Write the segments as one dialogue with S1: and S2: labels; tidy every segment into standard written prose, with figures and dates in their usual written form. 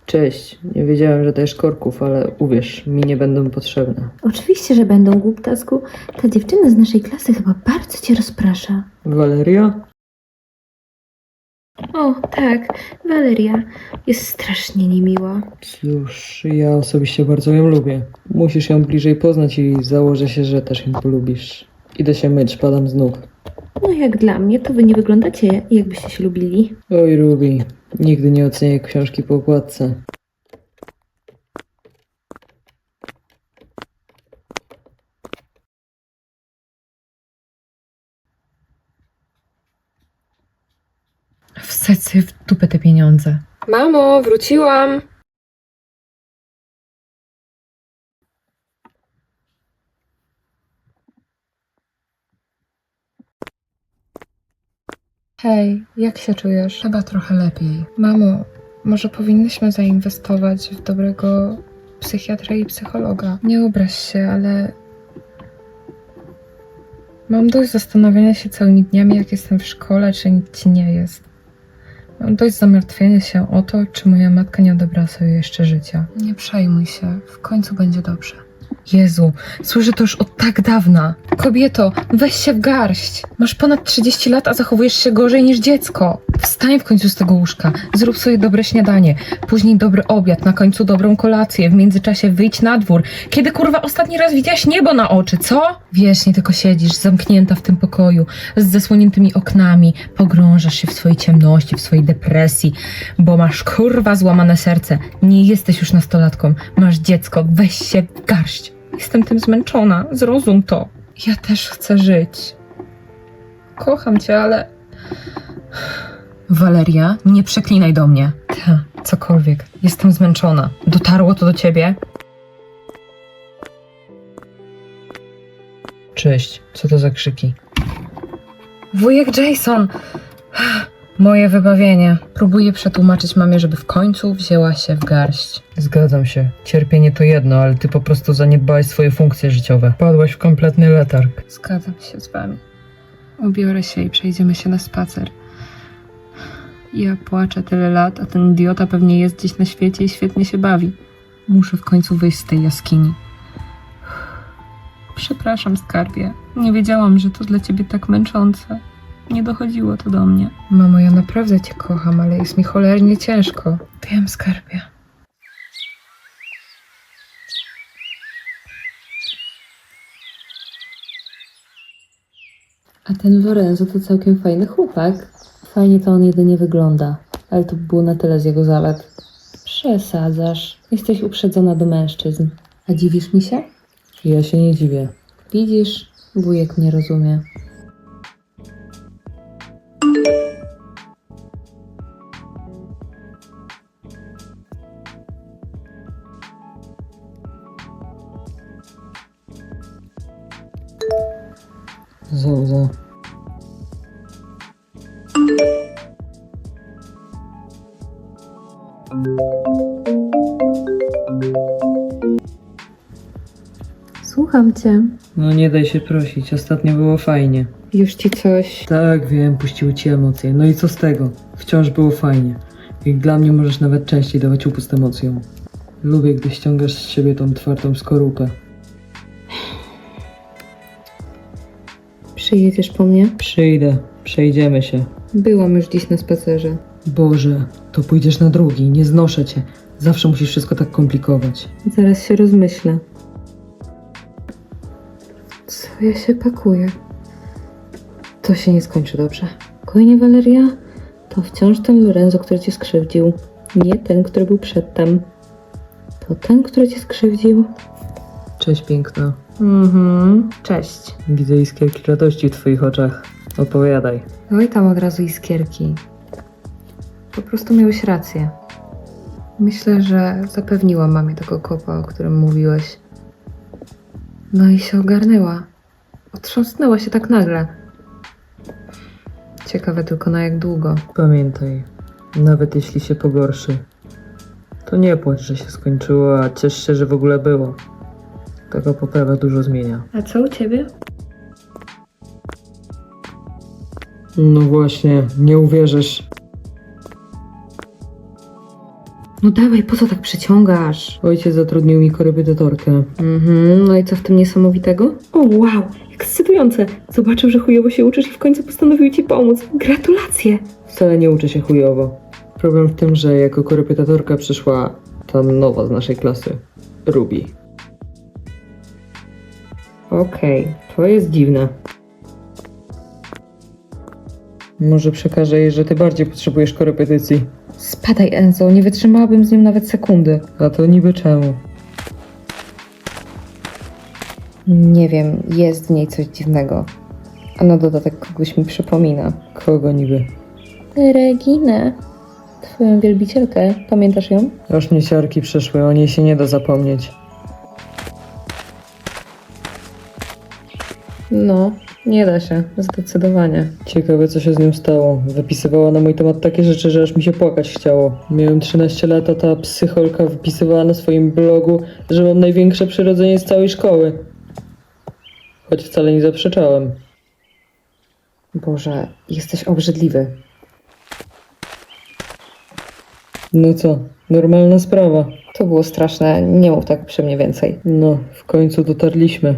S1: Cześć, nie wiedziałem, że dajesz korków, ale uwierz, mi nie będą potrzebne.
S2: Oczywiście, że będą, głuptasku. Ta dziewczyna z naszej klasy chyba bardzo cię rozprasza.
S1: Waleria?
S2: O, tak, Waleria. Jest strasznie niemiła.
S1: Cóż, ja osobiście bardzo ją lubię. Musisz ją bliżej poznać i założę się, że też ją polubisz. Idę się myć, padam z nóg.
S2: No jak dla mnie, to wy nie wyglądacie, jakbyście się lubili.
S1: Oj, Ruby, nigdy nie ocenię książki po okładce.
S3: Wsadź sobie w dupę te pieniądze.
S2: Mamo, wróciłam.
S3: Hej, jak się czujesz? Chyba trochę lepiej. Mamo, może powinnyśmy zainwestować w dobrego psychiatra i psychologa. Nie obraź się, ale mam dość zastanawiania się całymi dniami, jak jestem w szkole, czy nic ci nie jest. Mam dość zamartwienia się o to, czy moja matka nie odebrała sobie jeszcze życia. Nie przejmuj się, w końcu będzie dobrze. Jezu, słyszę to już od tak dawna. Kobieto, weź się w garść. Masz ponad 30 lat, a zachowujesz się gorzej niż dziecko. Wstań w końcu z tego łóżka, zrób sobie dobre śniadanie, później dobry obiad, na końcu dobrą kolację, w międzyczasie wyjdź na dwór. Kiedy kurwa ostatni raz widziałaś niebo na oczy, co? Wiecznie tylko siedzisz, zamknięta w tym pokoju, z zasłoniętymi oknami, pogrążasz się w swojej ciemności, w swojej depresji, bo masz kurwa złamane serce. Nie jesteś już nastolatką, masz dziecko, weź się w garść. Jestem tym zmęczona, zrozum to. Ja też chcę żyć. Kocham cię, ale... Waleria, nie przeklinaj do mnie. Ta, cokolwiek. Jestem zmęczona. Dotarło to do ciebie?
S1: Cześć, co to za krzyki?
S3: Wujek Jason! Moje wybawienie. Próbuję przetłumaczyć mamie, żeby w końcu wzięła się w garść.
S1: Zgadzam się. Cierpienie to jedno, ale ty po prostu zaniedbałeś swoje funkcje życiowe. Padłaś w kompletny letarg.
S3: Zgadzam się z wami. Ubiorę się i przejdziemy się na spacer. Ja płaczę tyle lat, a ten idiota pewnie jest gdzieś na świecie i świetnie się bawi. Muszę w końcu wyjść z tej jaskini. Przepraszam, skarbie. Nie wiedziałam, że to dla ciebie tak męczące. Nie dochodziło to do mnie. Mamo, ja naprawdę cię kocham, ale jest mi cholernie ciężko. Wiem, skarbie.
S2: A ten Lorenzo to całkiem fajny chłopak. Fajnie to on jedynie wygląda, ale to było na tyle z jego zalet. Przesadzasz. Jesteś uprzedzona do mężczyzn. A dziwisz mi się?
S1: Ja się nie dziwię.
S2: Widzisz, wujek mnie rozumie.
S1: Zauza.
S2: Słucham cię.
S1: No nie daj się prosić, ostatnio było fajnie.
S2: Już ci coś...
S1: Tak, wiem, puściły ci emocje. No i co z tego? Wciąż było fajnie. Jak dla mnie możesz nawet częściej dawać upust emocjom. Lubię, gdy ściągasz z siebie tą twardą skorupę.
S2: Przyjedziesz po mnie?
S1: Przyjdę, przejdziemy się.
S2: Byłam już dziś na spacerze.
S1: Boże, to pójdziesz na drugi, nie znoszę cię. Zawsze musisz wszystko tak komplikować.
S2: Zaraz się rozmyślę. Co ja się pakuję? To się nie skończy dobrze. Spokojnie, Waleria. To wciąż ten Lorenzo, który cię skrzywdził. Nie ten, który był przedtem. To ten, który cię skrzywdził.
S1: Cześć, piękna.
S2: Cześć.
S1: Widzę iskierki radości w twoich oczach. Opowiadaj.
S2: Oj, tam od razu iskierki. Po prostu miałeś rację. Myślę, że zapewniłam mamie tego kopa, o którym mówiłeś. No i się ogarnęła. Otrząsnęła się tak nagle. Ciekawe tylko na jak długo.
S1: Pamiętaj, nawet jeśli się pogorszy, to nie płacz, że się skończyło, a ciesz się, że w ogóle było. Taka poprawa dużo zmienia.
S2: A co u ciebie?
S1: No właśnie, nie uwierzysz.
S2: No dawaj, po co tak przeciągasz?
S1: Ojciec zatrudnił mi korepetytorkę.
S2: No i co w tym niesamowitego? O wow, ekscytujące. Zobaczył, że chujowo się uczysz i w końcu postanowił ci pomóc. Gratulacje.
S1: Wcale nie uczę się chujowo. Problem w tym, że jako korepetytorka przyszła ta nowa z naszej klasy. Ruby. Okej, to jest dziwne. Może przekażę jej, że ty bardziej potrzebujesz korepetycji.
S2: Spadaj, Enzo, nie wytrzymałabym z nim nawet sekundy.
S1: A to niby czemu?
S2: Nie wiem, jest w niej coś dziwnego. A na dodatek kogoś mi przypomina.
S1: Kogo niby?
S2: Reginę. Twoją wielbicielkę. Pamiętasz ją?
S1: Aż mnie siarki przeszły, o niej się nie da zapomnieć.
S2: No, nie da się. Zdecydowanie.
S1: Ciekawe, co się z nią stało. Wypisywała na mój temat takie rzeczy, że aż mi się płakać chciało. Miałem 13 lat, a ta psycholka wypisywała na swoim blogu, że mam największe przyrodzenie z całej szkoły. Choć wcale nie zaprzeczałem.
S2: Boże, jesteś obrzydliwy.
S1: No co, normalna sprawa.
S2: To było straszne. Nie mów tak przy mnie więcej.
S1: No, w końcu dotarliśmy.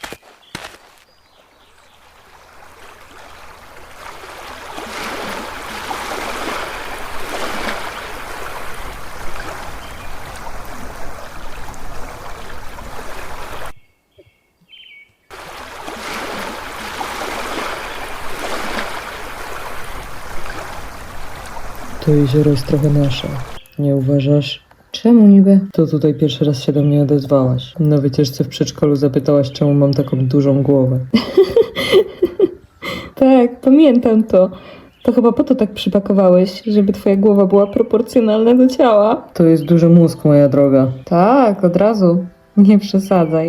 S1: To jezioro jest trochę nasze. Nie uważasz?
S2: Czemu niby?
S1: To tutaj pierwszy raz się do mnie odezwałaś. Na wycieczce w przedszkolu zapytałaś, czemu mam taką dużą głowę.
S2: Tak, pamiętam to. To chyba po to tak przypakowałeś, żeby twoja głowa była proporcjonalna do ciała.
S1: To jest duży mózg, moja droga.
S2: Tak, od razu. Nie przesadzaj.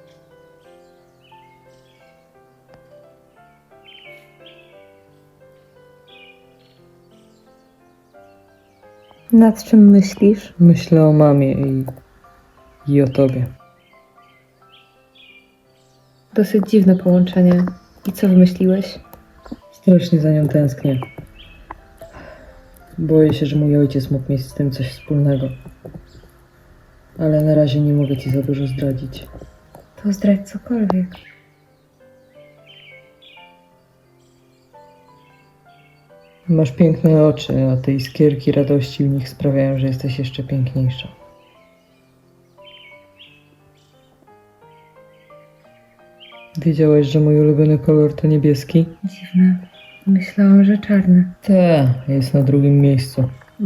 S2: Nad czym myślisz?
S1: Myślę o mamie i o tobie.
S2: Dosyć dziwne połączenie. I co wymyśliłeś?
S1: Strasznie za nią tęsknię. Boję się, że mój ojciec mógł mieć z tym coś wspólnego. Ale na razie nie mogę ci za dużo zdradzić.
S2: To zdradź cokolwiek.
S1: Masz piękne oczy, a te iskierki radości w nich sprawiają, że jesteś jeszcze piękniejsza. Wiedziałeś, że mój ulubiony kolor to niebieski?
S2: Dziwne. Myślałam, że czarny.
S1: Te, jest na drugim miejscu.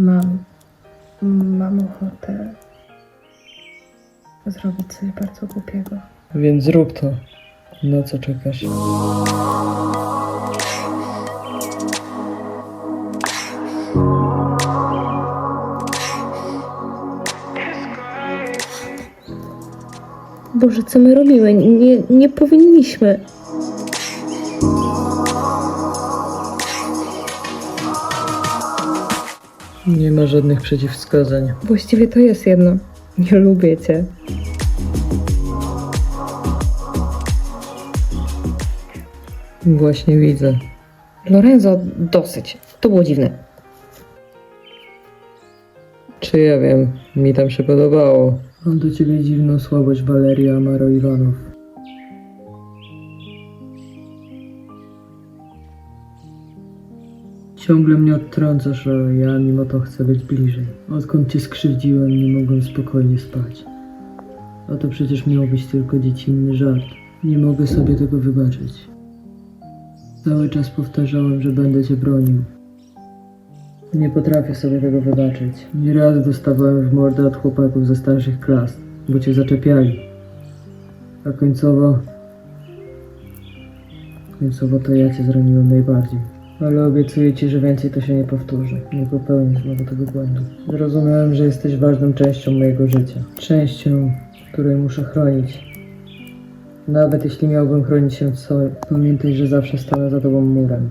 S2: Mam ochotę zrobić coś bardzo głupiego.
S1: Więc zrób to. Na co czekasz?
S2: Boże, co my robimy? Nie powinniśmy.
S1: Nie ma żadnych przeciwwskazań.
S2: Właściwie to jest jedno. Nie lubię cię.
S1: Właśnie widzę.
S2: Lorenzo, dosyć. To było dziwne.
S1: Czy ja wiem, mi tam się podobało. Mam do ciebie dziwną słabość, Waleria Amaro Iwanow. Ciągle mnie odtrącasz, a ja mimo to chcę być bliżej. Odkąd cię skrzywdziłem, nie mogłem spokojnie spać. A to przecież miał być tylko dziecinny żart. Nie mogę sobie tego wybaczyć. Cały czas powtarzałem, że będę cię bronił. Nie potrafię sobie tego wybaczyć. Nieraz dostawałem w mordę od chłopaków ze starszych klas, bo cię zaczepiali. A końcowo to ja cię zraniłem najbardziej. Ale obiecuję ci, że więcej to się nie powtórzy. Nie popełnię znowu tego błędu. Zrozumiałem, że jesteś ważną częścią mojego życia. Częścią, której muszę chronić. Nawet jeśli miałbym chronić się sam, pamiętaj, że zawsze stanę za tobą murem.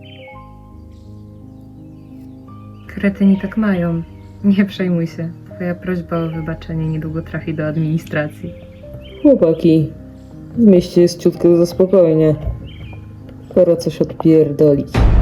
S3: Kretyni tak mają. Nie przejmuj się. Twoja prośba o wybaczenie niedługo trafi do administracji.
S1: Chłopaki, w mieście jest ciutkę za spokojnie. Pora coś odpierdolić.